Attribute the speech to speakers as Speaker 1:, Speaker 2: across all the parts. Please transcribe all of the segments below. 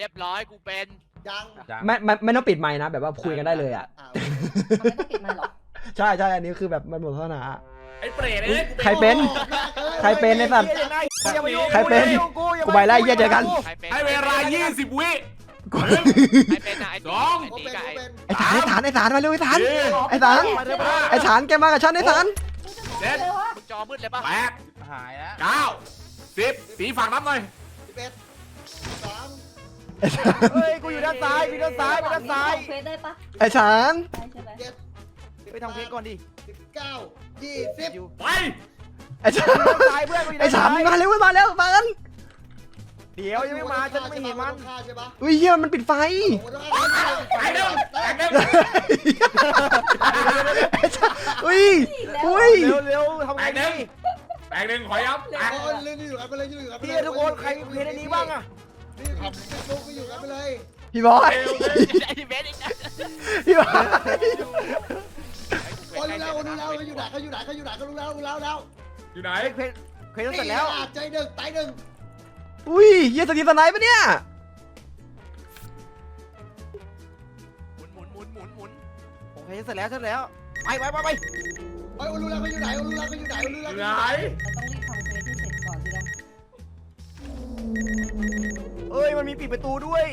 Speaker 1: รียบร้อยกูเป็น
Speaker 2: ยัง
Speaker 3: ไม่ต้องปิดไมค์นะแบบว่าคุยกันได้เลยอ่ะ
Speaker 4: ไม่ต้องปิดมันหรอ
Speaker 3: ใช่อันนี้คือแบบมันหมดศาสนา
Speaker 5: ไอ้เปรตเอ้ย
Speaker 3: ใครเป็นใครเป็นไอ้สัตว์ใครเป็นกูไปไล่เยี่ยเจอกัน
Speaker 1: ใครเป็น
Speaker 5: ให้เวลา20 วิ
Speaker 1: ใครเป็นอะไอ้
Speaker 5: สอง
Speaker 1: ไอ้
Speaker 2: ผม
Speaker 1: ตี
Speaker 2: เป็น
Speaker 1: กับ
Speaker 2: ผม
Speaker 1: ไอ้
Speaker 2: เป็น
Speaker 3: ไอ้ฐานมาเร็วไอ้ฐานไอ้ฐานแกมากับฉันไอ้ฐาน
Speaker 5: เจ็ด
Speaker 1: มึงจอมืดเลยปะ
Speaker 5: แปด
Speaker 6: หายแล้ว
Speaker 5: 9 10สีฝากนับหน่อย
Speaker 2: 11 3
Speaker 6: เฮ้ยกูอยู่ด้านซ้ายกูด้านซ้ายกูด้านซ้าย
Speaker 4: เฟซได้ปะ
Speaker 3: ไอ้ฐาน
Speaker 4: ได้ใช่ไหม
Speaker 2: 7
Speaker 6: ไปทำเพลงก่อนดิ
Speaker 2: 19 20
Speaker 5: ไป
Speaker 3: ไอ้ฐาน
Speaker 6: ซ้ายเพื่อนกูอยู่
Speaker 3: ไอ้
Speaker 6: ด้าน
Speaker 3: ฐาน
Speaker 6: ซ้าย
Speaker 3: มาเร็วมากัน
Speaker 6: เดี๋ยวยังไม่มาฉันไม่เห็นมัน
Speaker 2: ฆ่าใช่ปะ
Speaker 3: อุ้ยเฮียมันปิดไฟ
Speaker 5: ไปเร็วไปเร็ว
Speaker 3: อุ้ย
Speaker 6: เร็วทำไงดี
Speaker 5: แปลงหนึ่งขอย้ำแปลง
Speaker 2: โอ้ยเล่นอยู่กันไปเลยอยู่กันไป
Speaker 6: พี่
Speaker 2: เลย
Speaker 6: ทุกคนใครมีเพลงในนี้บ้างอะ
Speaker 2: นี่ทำเป็นลูกไปอยู่กันไปเลย
Speaker 3: พี่บอย
Speaker 1: ไอ้เบสอีกนะ
Speaker 3: พี่บอย
Speaker 2: โอ้ยรู้แล้วเขาอยู่ไหนเขารู้แล้ว
Speaker 5: อยู่ไหน
Speaker 6: เพลงเสร็จแล้ว
Speaker 2: ใจหนึ่งตายหนึ่ง
Speaker 3: อุ้ยเฮียสตีฟสไนป์ปะเนี่ย
Speaker 1: หมุน
Speaker 6: โอเคเสร็จแล้วไป
Speaker 2: โอ้ยรู้แล้วเขาอยู่ไหนรู้แล้วเขาอยู่ไหนรู้
Speaker 5: อ
Speaker 2: แล้ว
Speaker 5: ยู่ไหน
Speaker 4: เราต้องรีบทำเฟซให้เสร็จก่อนสินะ
Speaker 6: เอ้ยมันมีปิดประตูด้วย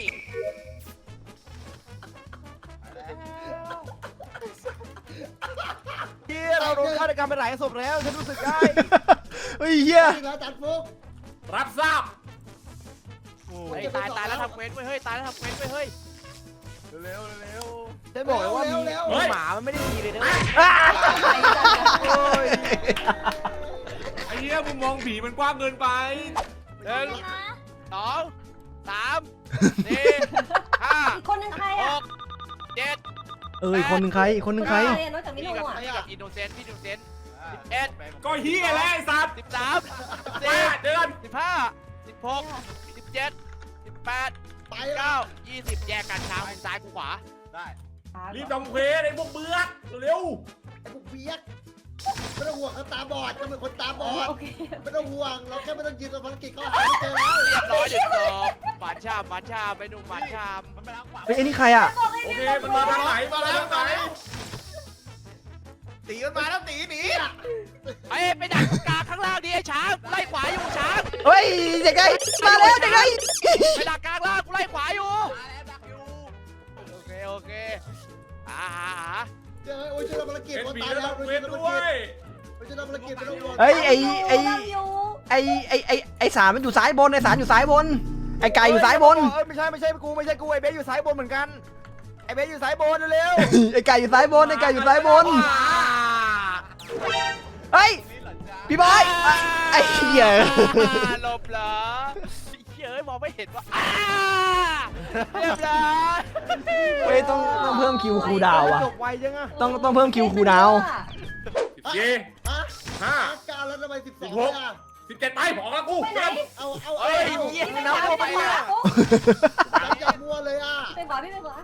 Speaker 6: เฮียเราโดนฆาตกรรมไปหลายศพแล้วฉันรู้สึกได้
Speaker 3: เฮ้ยเฮีย
Speaker 2: แล้วจัดฟุก
Speaker 5: รับทราบ
Speaker 1: ไอ้ตายแล้วทำเควสไว้เฮ้ยตายแล้วทำเควสไว้เฮ้ย
Speaker 6: เร็วฉันบอกเลยว่ามีหมามันไม่ได้ดีเลยนะโอ้ย
Speaker 5: ไอ้เหี้ยมึงมองผีมันกว้างเกินไป
Speaker 1: 1 2 3 4
Speaker 4: อีกคนนึงใคร
Speaker 1: 5
Speaker 4: อ่ะ
Speaker 1: 6 7
Speaker 3: เอ้ยคนหนึ่งใครนใคร
Speaker 4: นอกจากมิ
Speaker 1: พี่
Speaker 4: โนะ
Speaker 1: กับ
Speaker 4: อ่ะ
Speaker 1: อินโนเซนต์พี่อินโนเซนต์11
Speaker 5: ก็เหี้ยแล้วไอ้สัตว์
Speaker 1: 13
Speaker 5: เดือน
Speaker 1: 15 16 17 18
Speaker 2: ไปแล้ว
Speaker 1: 19 20แยกกันช้างมึงซ้ายกูขวา
Speaker 5: รีบทำเควสไอ้พวกเบื้อกเร็ว
Speaker 2: ไอ้พวกเบียกไม่ต้องห่วงเขาตาบอดก็เป็นคนตาบอด
Speaker 4: โอเค
Speaker 2: ไม่ต้องห่วงเราแค่ไม่ต้องยืนตัวภารกิจเขาหาไม่เจอแล้ว
Speaker 1: เรียบร้อยเดี๋ยวจบหวานชามไปดูหวานชาม
Speaker 3: เฮ้ยไอ้นี่ใครอ่ะ
Speaker 5: โอเคมันมาทางไหนมาทางไหน
Speaker 6: ตีมันมาแล้วตีหนี
Speaker 1: ไปดักตรงกลางข้างล่างดิไอ้ช้างไล่ขวาอยู่ช้าง
Speaker 3: เฮ้ยเด็กไงมาแล้วเด็กไง
Speaker 1: ไปดักกลางล่างกูไล่ขวาอยู่โอเคหา
Speaker 2: เจอโอ้ยเจอภารกิจ
Speaker 5: เป็น
Speaker 2: คน
Speaker 5: ผี
Speaker 2: ตาย
Speaker 5: แล้ว
Speaker 2: แล้ว
Speaker 5: ทำเควสด้วย
Speaker 2: เจอภารกิจไม่ต้องห่วง
Speaker 3: เฮ้ยไอ้
Speaker 4: อยู่
Speaker 3: ไอ้สารมันอยู่ซ้ายบนไอ้สารอยู่ซ้ายบนไอ้ไก่อยู่ซ้ายบน
Speaker 6: ไม่ใช่กูไอ้เบสอยู่ซ้ายบนเหมือนกันไอ้เบสอยู่ซ้ายบนเร็ว
Speaker 3: ไอ้ไก่อยู่ซ้ายบนไอ้ไก่อยู่ซ้ายบนเฮ้ยพี่บอยไอ้เหี้ย
Speaker 1: หลบเหรอเฮ้ยมองไม่เห็นว่าเรียบร้อย
Speaker 3: เฮ้ยต้องเพิ่มคิวคูลดาวน์อ่ะ
Speaker 6: จบไวจังอะ
Speaker 3: ต้องเพิ่มคิวคูลดาวน์
Speaker 5: เย่
Speaker 2: ฮะ
Speaker 5: ห้า
Speaker 2: การแล้วทำไม12
Speaker 5: 17ไปบอกแล้วกู
Speaker 4: ไปไหน
Speaker 2: เอา
Speaker 1: เฮ้ยเยี่ย
Speaker 4: น้ำไปไหน
Speaker 2: อย่ามัวเลยอ่ะ
Speaker 4: ไปขวาพี่ไปขวา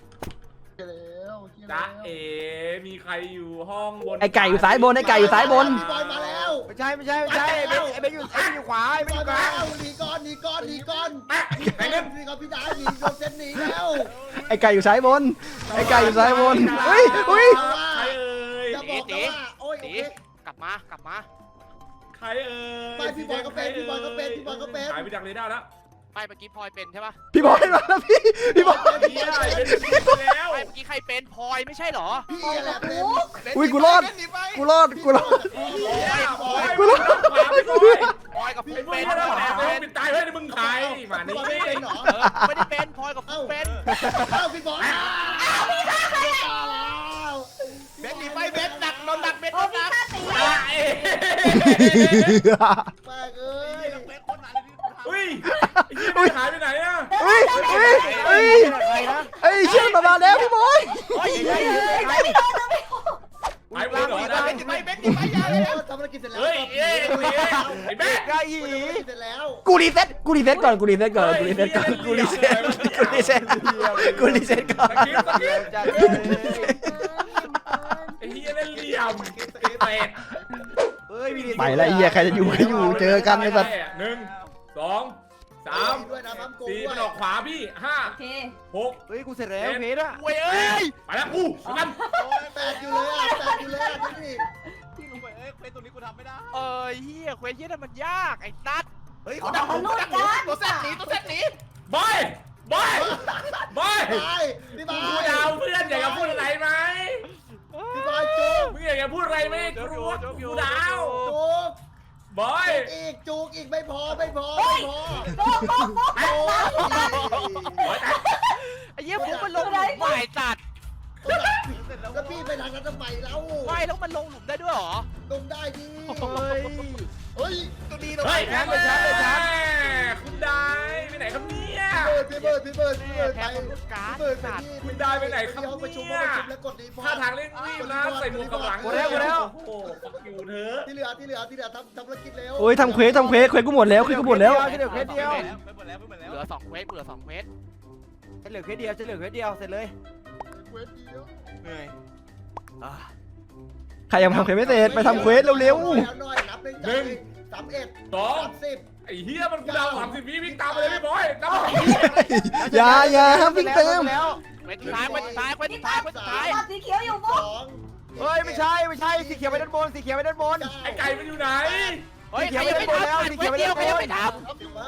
Speaker 5: จ๊ะเอ๋มีใครอยู่ห้องบน
Speaker 3: ไอ้ไก่อยู่ซ้ายบนไอ้ไก่อยู่ซ้ายบน
Speaker 2: พี่บอยมาแล้ว
Speaker 6: ไม่ใช่ไอ้เบสอยู่ขวาไอ้เบสอยู่กลาง
Speaker 2: หนีก่อน
Speaker 5: ไปเล่น
Speaker 2: หนีก่อนพี่ดาหนีโดนเซนหนีแล้ว
Speaker 3: ไอ้ไก่อยู่ซ้ายบนไอ้ไก่อยู่ซ้ายบนเฮ้ย
Speaker 5: ใครเอ่ย
Speaker 2: จะบอกว่าโอ้ยโอ
Speaker 1: ตี
Speaker 2: เค
Speaker 1: กลับมา
Speaker 5: ใครเอ่ย
Speaker 2: ไปพี่บอยก็เป็น
Speaker 5: หายไปจากเรดาร์แล้ว
Speaker 1: ไปเมื่อกี้พลอยเป็นใช่ปะ
Speaker 3: พี่บอยมาแล้วพี่บอย
Speaker 5: เฮียเป็นแล้ว
Speaker 1: ไปเมื่อกี้ใครเป็นพลอยไม่ใช่เหรอ
Speaker 2: พี่แหละเป็น
Speaker 3: อุ้ยกูรอดกูรอด
Speaker 5: กูรู้
Speaker 1: พลอยกับฟุ
Speaker 5: ไอ้
Speaker 1: ก
Speaker 5: มึง
Speaker 1: เป็น
Speaker 5: ไม่ได้
Speaker 1: พลอย
Speaker 5: แอบเป็นตายเฮ้ยมึงใครมา
Speaker 2: พี่
Speaker 5: นี่
Speaker 2: บอยไม่เป็นหรอ
Speaker 1: ไม่ได้เป็นพลอยกับฟุกเป็น
Speaker 2: พี่บอย
Speaker 1: เบสหนีไปเบสดักโดนดักเบส
Speaker 4: โอ้
Speaker 1: โดน
Speaker 4: พี่
Speaker 1: ดัก
Speaker 4: ฆ่าตี
Speaker 2: แม่เอ้ย
Speaker 5: อุ้ยไอ้เหี้ยหายไปไหนอะ
Speaker 3: เฮ้ยเชื่อมมาแล้วพี่บอย
Speaker 1: โอ้ย
Speaker 5: หายไปเหรอ
Speaker 1: เบสหนีไปยาเลย
Speaker 2: ทำธุรกิจเสร็จแล้ว
Speaker 5: เฮ้ยไอ้แม่
Speaker 6: ไก่หี
Speaker 2: เสร็จแล้ว
Speaker 3: กูรีเซ็ตก่อนกูรีเซ็ตก่อนไอ้เหี้ย
Speaker 5: เล่นเหลี่ยมเป็ด
Speaker 6: เฮ้ย
Speaker 3: ไปแล้วไอ้เหี้ยใครจะอยู่เจอกันไอ้สัตว์
Speaker 5: 1 2
Speaker 2: 3 ด้วยนะพัมโก
Speaker 5: 4
Speaker 2: ด้ว
Speaker 5: มัน
Speaker 2: ย
Speaker 5: ออกขวาพี่
Speaker 4: โอเค
Speaker 5: 5 6
Speaker 6: เฮ้ยกูเสร็จแล้วเพชรอะ
Speaker 1: เว้ยเอ้ย
Speaker 5: ไปแล้วกูกัน
Speaker 2: แปดอยู่เลยอ่ะแปดอยู่เลยอ่ะดูดิ
Speaker 1: เฮียเควสเฮียนั่นมันยากไอ้ตัด
Speaker 2: เฮ้ย
Speaker 4: เอามนุษย์กัน
Speaker 1: ตัวเส้นหนี
Speaker 5: บอยบอยบอย
Speaker 2: พี่บายพี่บา
Speaker 5: กู
Speaker 2: ย
Speaker 5: ดาวเพื่อนอยากจะพูดอะไรไหม
Speaker 2: พี่บายจุก
Speaker 5: มึงอยากจะพูดอะไรไหมกูดาว
Speaker 2: จุก
Speaker 5: บอย
Speaker 2: จุกอีกไม่พอไม่พอ
Speaker 4: โป๊ะโป๊ะโป๊ะ
Speaker 2: โอ้ย
Speaker 1: ไอ้เหี้ยผมมันลงหลุมใหม่ตัด
Speaker 2: แล้วพี่ไปทางนั้นทำไมเล่า
Speaker 1: ไม่แล้วมันลงหลุมได้ด้วยเหรอ
Speaker 2: ลงได้ดิ
Speaker 6: เฮ้ย
Speaker 2: เฮ้ยตัวดีเรา
Speaker 5: เฮ้ย
Speaker 6: แพ้ไปช้าไปช้า
Speaker 5: คุณได้ไปไหนครับเนี่ย
Speaker 2: พี่เบิร์ดไป
Speaker 1: แพ้คนรู้การ์ด
Speaker 2: พี่เบิร์ดไป
Speaker 1: ตัด
Speaker 2: ที่
Speaker 5: คุณได้ไปไหนครับ
Speaker 2: ห้องประชุม
Speaker 5: เนี่ย
Speaker 2: แล้วกดรีพอร์ต
Speaker 5: ท่าทางเร่งรีบนะใส่หมวกกับหลังโอ้โหฟักอยู่เถอะ
Speaker 2: ที่เหลือทำธุรกิจเร็ว
Speaker 3: โอ้ยทำเควสกูหมดแล้วเควสกูหมดแล้ว
Speaker 6: ฉันเหลือเพชรเดียว
Speaker 1: เหลือ2เควส
Speaker 6: ฉันเหลือเพชรเดียวเสร็จเลย
Speaker 1: เหนื่อย
Speaker 3: ใครยังทำเควสไม่เสร็จไปทำเควสเร็ว
Speaker 2: หน่อยนับในใจ31
Speaker 5: 2
Speaker 2: 30
Speaker 5: ไอ้เหี้ยมันกูดาว30 วิวิ่งตามไปเลยพี่บอยนับ
Speaker 3: ๆอย่าวิ่งเติม
Speaker 6: แล้ว
Speaker 1: เควสสุดท้ายเควสสุดท้ายเควสสุดท้ายเควสสุดท้าย
Speaker 4: ตัดสีเขียวอยู่ปุ๊บ
Speaker 2: 2
Speaker 6: เฮ้ยไม่ใช่สีเขียวไปด้านบนสีเขียวไปด้านบน
Speaker 5: ไอ้ไก่มันอยู่ไหน
Speaker 1: เฮ้ยใครยังไม่ทำเควสเดียวใครยังไม่ทำ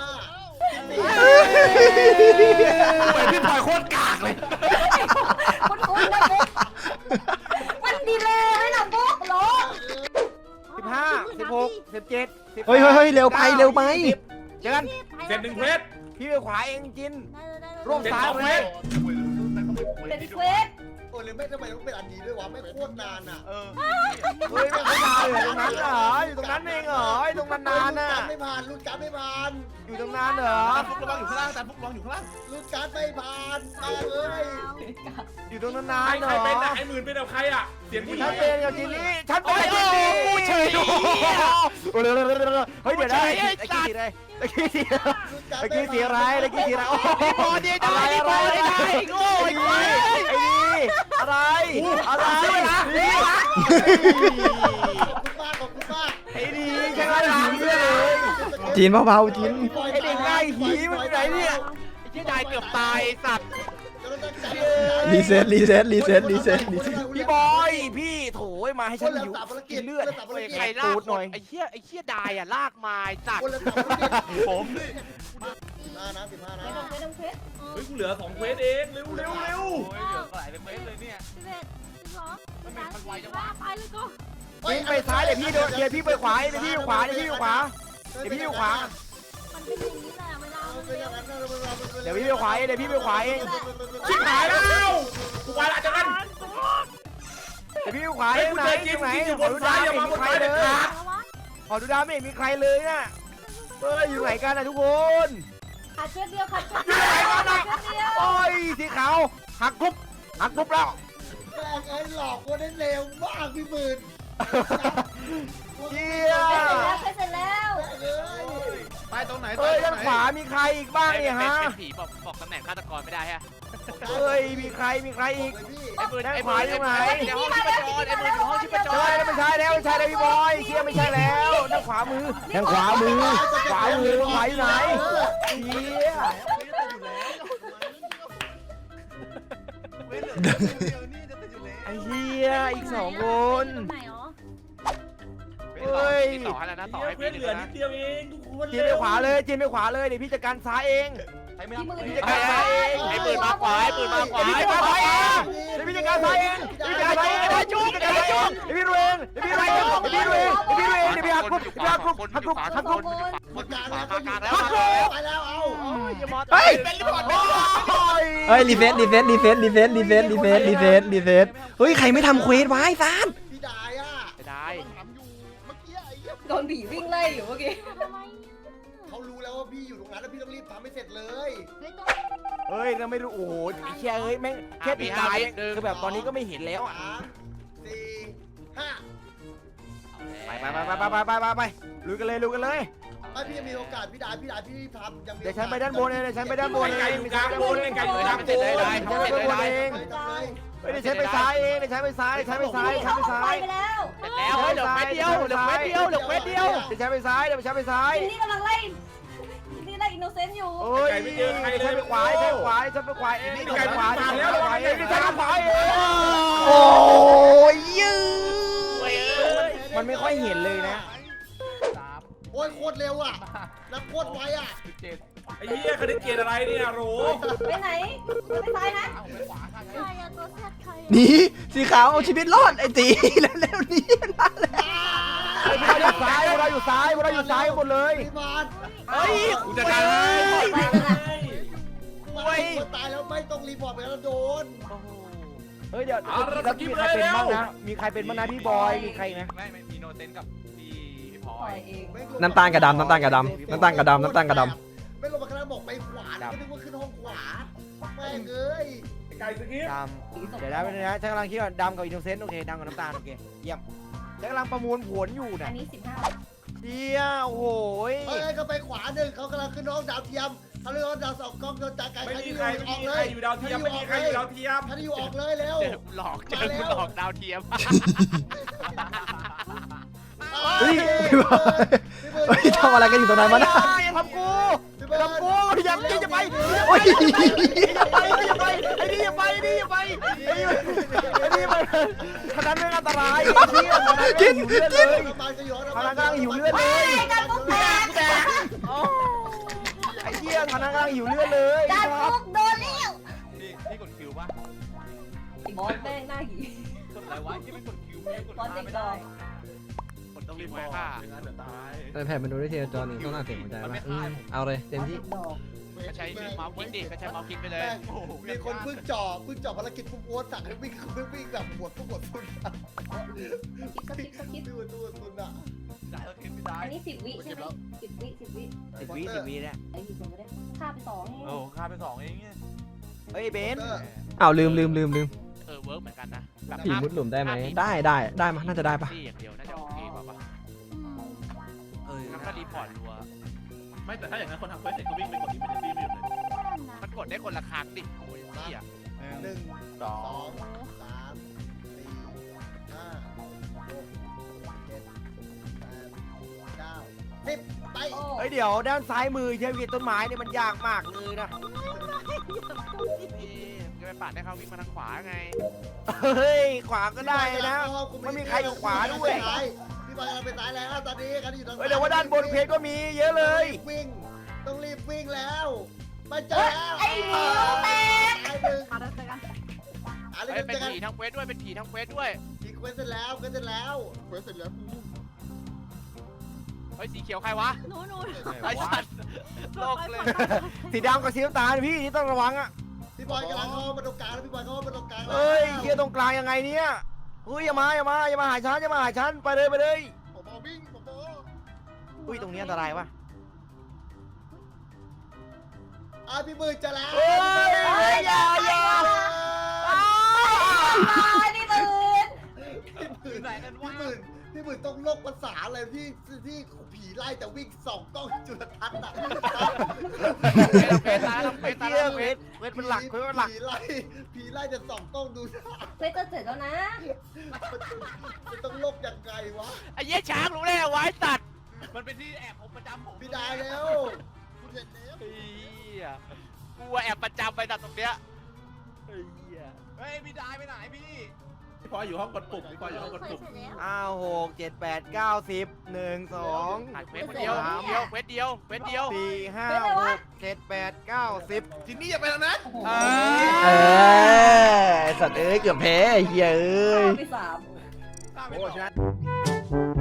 Speaker 5: ไปพี่บอยโคตรกากเลย
Speaker 4: คุณนะปุ๊บมันดีเลยให้หน่ะปุ๊บหรอ
Speaker 6: 15 16 17
Speaker 3: เฮ้ยเร็วไป
Speaker 6: เจอกัน
Speaker 5: เสร็จ1เควส
Speaker 6: พี่ไปขวาเองจินร่วม
Speaker 5: เสร็จ
Speaker 6: ซ้าย
Speaker 5: 2เคว
Speaker 6: เลย
Speaker 5: ส
Speaker 4: เป็นเควส
Speaker 2: โอ้หรือไม่ทำไมต้องเป็นอันนี้ด้วยวะไม่โคตรนานอ่ะ
Speaker 6: เฮ้ยไม่นานเลยตรงนั้นเหรออยู่ตรงนั้นเองเหรอตรงนานน่ะ
Speaker 2: ไม่ผ่านรุ่นการไม่ผ่าน
Speaker 6: อยู่ตรงนั้นเหรอ
Speaker 1: ฟุกระวังอยู่ข้างล่างแต่ฟุกระวังอยู่ข้างล่าง
Speaker 2: รุ่นการไม่ผ่านมาเลย
Speaker 6: อยู่ตรงนั้น
Speaker 5: ใคร
Speaker 6: เหร
Speaker 5: ใคร
Speaker 6: อ
Speaker 5: เป็นไอ้หมื่นเป็นกับใครอ่ะเสียงผู้หญิ
Speaker 6: ฉั
Speaker 5: ง
Speaker 6: นเป็นกับจินนี่ฉันเป็นกับจินนี่กูเฉยเฮ้ยเดี๋ยวได้ตะกี้สีอะไรตะกี้สีอะไรโอ้โห
Speaker 1: พอดีได้พอดีได้โง่ไอ้ควาย
Speaker 6: ไอ้นี่อะไร
Speaker 2: ขอบคุณมาก
Speaker 6: ไอ้นี่ใช่ไหมล่ะเลย
Speaker 3: จีนเบาๆจีน
Speaker 6: ไอ้เด็กง่ายหีมันไหนเนี่ย
Speaker 1: ไอ้เหี้ยได้เกือบตายสัตว์
Speaker 3: รีเซ็ต
Speaker 6: พี่บอยพี่โถยมาให้ฉันหิวกินเลือด
Speaker 1: ใครลากหน่อยไอ้เหี้ยได้อะลากมาสัตว์
Speaker 2: ผม15นะ15นะ
Speaker 4: ไม่ต้องเควส
Speaker 5: เฮ้ยกูเหลือ2เควสเองเร็ว
Speaker 6: พี่ไปซ้ายเดี๋ยวพี่เดี๋ยวพี่ไปขวาเดี๋ยวพี่อยู่ขวา
Speaker 4: มันเป็นอย่างนี้แหละเวลา
Speaker 6: เดี๋ยวพี่ไปขวาเดี๋ยวพี่ไปขวาเอง
Speaker 5: ชิบหายแล้วกูไปละจังกัน
Speaker 6: เดี๋ยวพี่ไปขวา
Speaker 5: ไอ้
Speaker 6: เอง
Speaker 5: กู
Speaker 6: ไหน
Speaker 5: เจอกินอยู่บนซ้ายอย่ามาบนซ้ายเด็ดขาด
Speaker 6: ขอดูดาวไม่เห็นมีใครเลยน่ะอยู่ไหนกันนะทุกคน
Speaker 4: ขาดเชือกเดียวขาดเชือกเดียว
Speaker 6: โอ้ยสีขาวหักกรุ๊บแล้ว
Speaker 2: แม่งไอ้หลอกคนได้เร็วมากพี่หมื่น
Speaker 6: เจี๊ย
Speaker 4: เสร็จแล้ว
Speaker 2: ไปตรงไหน
Speaker 6: เฮ้ยด้านขวามีใครอีกบ้างเนี่ยฮะ
Speaker 1: ผีบอกตำแหน่งฆาตกรไม่ได้ฮะ
Speaker 6: เฮ้ยมีใครอีก
Speaker 1: ไอ้ปืน
Speaker 6: ด้าน
Speaker 1: ไอ้
Speaker 6: ข
Speaker 1: ปื
Speaker 6: วาน อยู่ไหน
Speaker 1: ในห้องชิปจรไอ้ปืนอยู่ห้องชิปจ
Speaker 6: ใช่
Speaker 1: ร
Speaker 6: แล้วไม่ใช่แล้วพี่บอยเชียไม่ใช่แล้วด้านขวามือขวาอยู่ไหนเชียไอ้เฮียอีก2 คน
Speaker 4: ไหนอ๋อ
Speaker 1: ติดต่อให้แล้วนะต่อให้
Speaker 5: เพื่
Speaker 1: พี่
Speaker 5: อน
Speaker 1: ห
Speaker 5: เห
Speaker 1: นึ่ง
Speaker 5: ลือนิ
Speaker 1: นะ
Speaker 5: ดเดียวเองทุกคน
Speaker 6: จีนไปขวาเลยเดี๋ยวพี่จัดการซ้ายเอง
Speaker 4: ที่มือ
Speaker 1: ไอ้ปืนมาขวาไอ้ปืนมาขวา
Speaker 6: เดี๋ยวพี่จัดการซ้ายเองเดี๋ยวพี่ดูเองเดี๋ยวพี่หักกรุ๊บ
Speaker 1: คนขวากลางแล้ว
Speaker 2: ไปแล้วเอา
Speaker 3: เฮ้ย
Speaker 1: เป็นรีพอร์ต
Speaker 3: เฮ้ยรีเซ็ตเฮ้ยใครไม่ทำเควสไว้ซาน
Speaker 2: พี่ดายอ่ะ
Speaker 1: ได้
Speaker 4: โดนผีวิ่งไล่อยู่เมื่อกี้
Speaker 2: เขารู้แล้วว่าพี่อยู่ตรงนั้นแล้วพี่ต้องรีบทำให้เสร็จเลย
Speaker 6: เฮ้ยเราไม่รู้โอ้โหเชียเอ้ยแม่งแค่ติดตายคือแบบตอนนี้ก็ไม่เห็นแล้วอ่ะ
Speaker 2: 3 4 5
Speaker 6: ไปลุยกันเลย
Speaker 2: ไม่พี่ยังมีโอกาสพี่ดายพี่ทำยังมี
Speaker 6: เดี๋ยวฉันไปด้านบนเอง
Speaker 5: ไอ้ไก่อยู่กลางบนไอ้ไก่อยู่กลางบน
Speaker 6: เดี๋ยวฉันไปซ้ายเองเดี๋ยวฉันไปซ้าย
Speaker 4: ไปแล้ว
Speaker 1: แล้วเหลือเควสเดียว
Speaker 6: เดี๋ยวฉันไปซ้าย
Speaker 4: นี่กำลังไล่นี่ไล่โนเซนต์อยู่
Speaker 6: เอ้ยไม่เจอใครเลยฉันไปขวาฉันไปขวาฉันไปขวาเองฉันไปขวาฉันไปขวาเองฉันไปขวาเอง
Speaker 3: โอ้ยยืด
Speaker 6: มันไม่ค่อยเห็นเลยนะ
Speaker 2: โอ้ยโคตรเร็วอ่ะแล้วโคตรไวอ่ะ
Speaker 5: ไอ้เหี้ยคณิตเกณฑ์อะไรเนี่ยโหร
Speaker 4: ไปไหนไปซ้ายนะ
Speaker 7: ใครอะตัวแซดใครอะ
Speaker 3: หนีสีขาวเอาชีวิตรอดไอ้ตีแล้วๆนี่นั่นแหละ
Speaker 6: พวกเราอยู่ซ้ายพวกเราอยู่ซ้ายพวกเราอยู่ซ้ายหมดเลย
Speaker 2: พี่บอล
Speaker 6: เฮ้ย
Speaker 5: กูจะตายให้
Speaker 4: ไปนั่นน่ะ
Speaker 2: คนตายแล้วไม่ต้องรีพอร์ตไปแล้วโดน
Speaker 6: เฮ้ยเดี๋ยวแล้วมีใครเป็นบ้างนะมีใครเป็นบ้างนะพี่บอยมีใครนะ
Speaker 1: ไม่มีโนเซนกับพี่พลอ
Speaker 4: ปล่อย
Speaker 1: ย
Speaker 4: เอง
Speaker 3: น้ำตาลกับดำน้ำตาลกับดำน้ำตาลกับดำน้ำตาลกับดำ
Speaker 2: ไม่ลงมาข้างล่างบอกไปขวาก็นึกว่าขึ้นห้องขวาแม่งเอ้ย
Speaker 5: ไก่สกิป
Speaker 6: ดำเดี๋ยวนะนะฉันกำลังคิดว่าดำกับอินโนเซนต์โอเคดำกับน้ำตาลโอเคเยี่ยมฉันกำลังประมวลผลอยู่
Speaker 4: อั
Speaker 6: นะ
Speaker 4: นนี้15
Speaker 6: เชี่ยโอ้โห
Speaker 2: เอ้ยก็ไปขวาหนึ่งเขากำลังขึ้นห้องดาวเทียมเขาเรียกว่าดาวสองกล้องโดนจากไกล
Speaker 5: ไม่
Speaker 2: ใคร
Speaker 5: มี
Speaker 2: ที่
Speaker 5: ใคร
Speaker 2: อยู่
Speaker 5: ไม่
Speaker 2: ออก
Speaker 5: มี
Speaker 2: เล
Speaker 5: ใคร
Speaker 2: ย
Speaker 5: อยู่ดาวเทียมไม่มีใครอยู่ดาวเทียม
Speaker 2: ถ้าที่อยู่ออกเลยเร็ว
Speaker 1: เจอกูหลอกดาวเทียม
Speaker 3: เฮ้ยพี่บอยเฮ้ยทำอะไรกันอยู่ตรงนั้นวะนะ
Speaker 6: ทำกู
Speaker 2: พี่เบิร์
Speaker 6: ทำกูอย่าไป
Speaker 3: โอ้ย
Speaker 6: อย่าไปไอ้นี่อย่าไปไอ้นี่อย่าไปไอ้นี่มันขนาดเรื่องอันตรายไอ้เหี้ยขนาดเรื่องหิวเลือดเลย
Speaker 2: น้ำมันก็อยู่
Speaker 6: ขนาดกำลังหิวเลือดเลย
Speaker 4: ไอ้การปุ๊กแตก
Speaker 6: ไอ้เหี้ยขนาดกำลังหิวเลือดเลย
Speaker 4: การปุ๊กโดนแล้ว
Speaker 1: นี่กดคิวป่ะ
Speaker 4: บอสแม่งหน้าหี
Speaker 1: กดอะไรวะที่ไม่กดคิวไม่กด
Speaker 4: บอสเด็กดอย
Speaker 1: กดต้องรีบไว้ค่ะ
Speaker 3: แต่แผ่นมันดูได้ทีละจอหนึ่งต้องอ่านเสียงหัวใจป่ะเอาเลยเต็มที่
Speaker 4: ดอก
Speaker 1: ก็ใช้เมาส์คลิกดิก็ใช้เมาส์คลิกไปเลย
Speaker 2: มีคนเพิ่งจ่อภารกิจปุ๊บโอ๊ตสั่งให้วิ่งแบบหมดทุกหมดทุน
Speaker 4: สกิป
Speaker 2: ดูทุนอ่ะ
Speaker 4: อันนี้10 วิใช่ไหม10 วิ
Speaker 6: 10 วิเนี่ย
Speaker 4: ไอ้ที่ผมไม่ได้ฆ่าไป2เอง
Speaker 1: โอ้ค่าไป2เองเนี่ย
Speaker 6: เฮ้ยเบน
Speaker 3: อ้าวลืม
Speaker 1: เวิร์กเหมือนกันนะแบบ
Speaker 3: ผีมุดหลุมได้ไหมได้มั้ยน่าจะได้ปะ
Speaker 1: นี่อย่างเดียวน่าจะโอเคป่ะปะงั้นก็รีพอร์ตรัว
Speaker 5: ไม่แต่ถ้าอย่างนั้นคนทำเควสเสร็จก็วิ่งไปกดอิมเมอร์ซี่ไม่หยุดเลย
Speaker 1: มันกดได้คนละครั้งดิโอ้ยเหี้ย
Speaker 2: 1 2 3 4 5 6 7 8 9 10ไป
Speaker 6: เฮ้ยเดี๋ยวด้านซ้ายมือใช้วิต้นไม้เนี่ยมันยากมากเลยนะ
Speaker 1: นี่จะไปปาดให้เขาวิ่งมาทางขวาไง
Speaker 6: เฮ้ยขวาก็ได้นะไม่มีใครอยู่ขวาด้วย
Speaker 2: พี่บอยกำลังไปซ้ายแล้วตอนนี้กันอยู่ทาง
Speaker 6: เฮ้ยเดี๋ยวว่าด้านบนเพจก็มีเยอะเลย
Speaker 2: วิ่งต้องรีบวิ่งแล้วมาเจอแล้ว
Speaker 4: ไอ้หมิวแตก
Speaker 2: ไอ้หนึ่ง
Speaker 7: มาแล้วเจอกัน
Speaker 2: อะไร
Speaker 1: เฮ้ย
Speaker 2: กัน
Speaker 1: เป็น
Speaker 2: เจอกัน
Speaker 1: ผีทั้งเควสด้วยเป็นผีทั้งเควสด้วย
Speaker 2: อีกเควสเสร็จแล้วเควสเสร็จแล้วเควสเสร็จแล้ว
Speaker 1: เฮ้ยสีเขียวใครวะ
Speaker 7: หนู
Speaker 1: ไอ้สัตว์โลกเลย
Speaker 6: สีดำกับสีน้ำตาลพี่นี่ต้องระวังอ่ะ
Speaker 2: พี่บอยกำลังเข้ามาตรงกลางแล้วพี่บอยเข้ามาตรงกลางแล้ว
Speaker 6: เฮ้ยเกียร์ตรงกลางยังไงเนี่ยเฮ้ยอย่ามาหาฉันไปเลย
Speaker 2: ผมเอาวิ่งผมเอา
Speaker 6: อุ้ยตรงนี้อันตรายวะ
Speaker 2: พี่มือจะแล้ว
Speaker 6: เฮ้ยอย่า
Speaker 4: นี่ตื่น
Speaker 2: พี่หมื่นต้องโลกภาษาอะไรที่ผีไล่แต่วิ่งส่องกล้องจุลทรรศน์อ่ะ
Speaker 1: เควสตายแล้วเควสตาย
Speaker 6: เกีย
Speaker 1: แล้ว
Speaker 6: ร์
Speaker 1: เควส
Speaker 6: เวทเป็นหลักเป็นหลัก
Speaker 2: ผีไล่แต่ส่องกล้องดู
Speaker 4: เควสจะเสร็จแล้วนะ
Speaker 2: มันต้องโลกยังไงวะ
Speaker 1: ไอ้เหี้ยช้างรู้ได้ไงวะไอ้สัตว์มันเป็นที่แอบผมประจำผม
Speaker 2: พี่ได้แล้วคุณเห็นแล้ว
Speaker 1: เฮียกูแอบประจำไปตัดตรงเนี้ยเฮ้ยพี่ได้ไปไหนพี่
Speaker 5: พี่พออยู่ห้องกดปุ่มพี่พออยู่ห้องกด
Speaker 7: เคย
Speaker 5: ปุ่ม
Speaker 7: เสร็จแล้ว
Speaker 6: อ้าว6 7 8 9 10 1 2
Speaker 1: ถ่ายเควสคนเดียวเควสเดียว
Speaker 6: 4 5 6 7 8 9 10
Speaker 5: ทีนี้อย่าไปแล้วนะ
Speaker 3: ไอ้สัตว์เอ้ยเกือบแพ้เฮียเอ้ย
Speaker 4: ไป3
Speaker 6: โอ้ชนะ